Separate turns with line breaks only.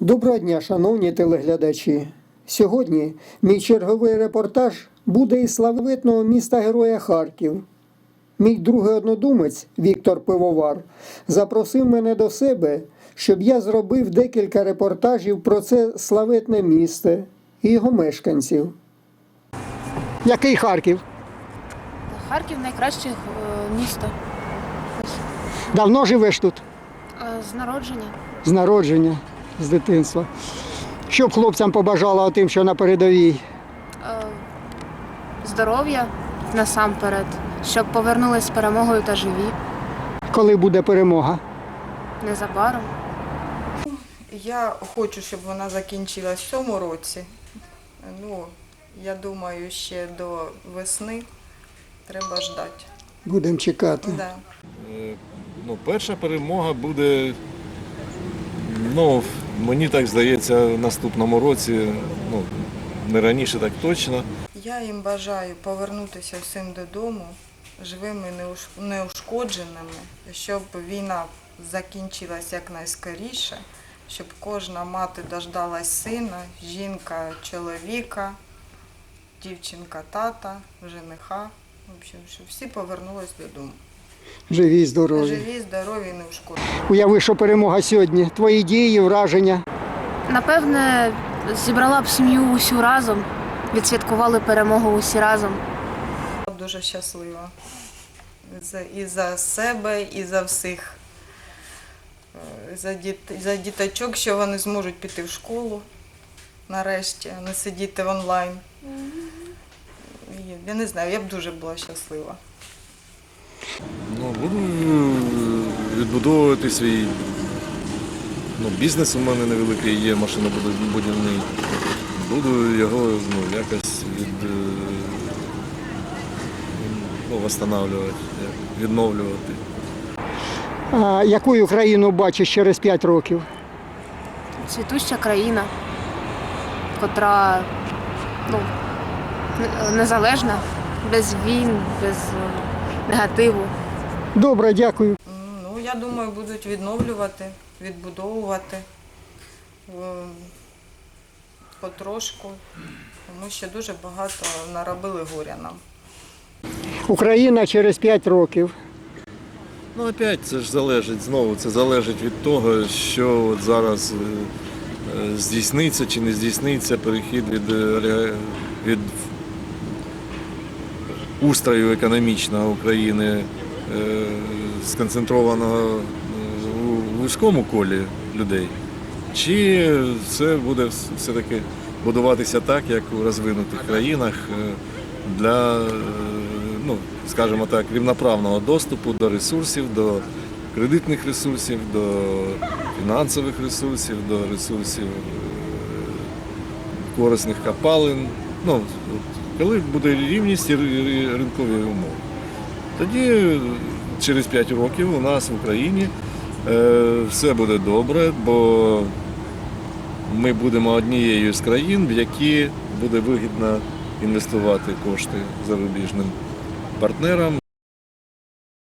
Доброго дня, шановні телеглядачі. Сьогодні мій черговий репортаж буде із славетного міста-героя Харків. Мій другий однодумець Віктор Пивовар запросив мене до себе, щоб я зробив декілька репортажів про це славетне місто і його мешканців. Який Харків?
Харків найкраще місто.
Давно живеш тут?
З народження.
З народження, з дитинства. Що б хлопцям побажала тим, що на передовій?
Здоров'я насамперед, щоб повернулись з перемогою та живі.
Коли буде перемога?
Незабаром.
Я хочу, щоб вона закінчилась в цьому році. Я думаю, ще до весни треба ждати.
Будемо чекати.
Да.
Перша перемога буде, мені так здається, в наступному році, не раніше так точно.
Я їм бажаю повернутися всім додому живими, неушкодженими, щоб війна закінчилась якнайскоріше, щоб кожна мати дождалась сина, жінка чоловіка, дівчинка тата, жениха. В общем, щоб всі повернулись додому.
Живі, здорові.
Живі, здорові і неушкоджені.
Уяви, що перемога сьогодні. Твої дії, враження.
Напевне, зібрала б сім'ю усю разом, відсвяткували перемогу усі разом.
Дуже щаслива. І за себе, і за всіх. За діточок, що вони зможуть піти в школу нарешті, а не сидіти онлайн. Я не знаю, я б дуже була щаслива.
Буду відбудовувати свій бізнес у мене невеликий є, машинобудівний. Буду його якось восстанавлювати, відновлювати.
А яку країну бачиш через 5 років?
Цвітуща країна, котра незалежна, без війн, без негативу.
Добре, дякую.
Я думаю, будуть відновлювати, відбудовувати потрошку, тому що дуже багато наробили горя нам.
Україна через 5 років.
Опять це ж залежить, це залежить від того, що от зараз здійсниться чи не здійсниться перехід від устрою економічного України, сконцентрованого у вузькому колі людей, чи це буде все-таки будуватися так, як у розвинутих країнах, для, скажімо так, рівноправного доступу до ресурсів, до кредитних ресурсів, до фінансових ресурсів, до ресурсів корисних копалин. Коли буде рівність і ринкові умови. Тоді через 5 років у нас в Україні все буде добре, бо ми будемо однією з країн, в які буде вигідно інвестувати кошти зарубіжним партнерам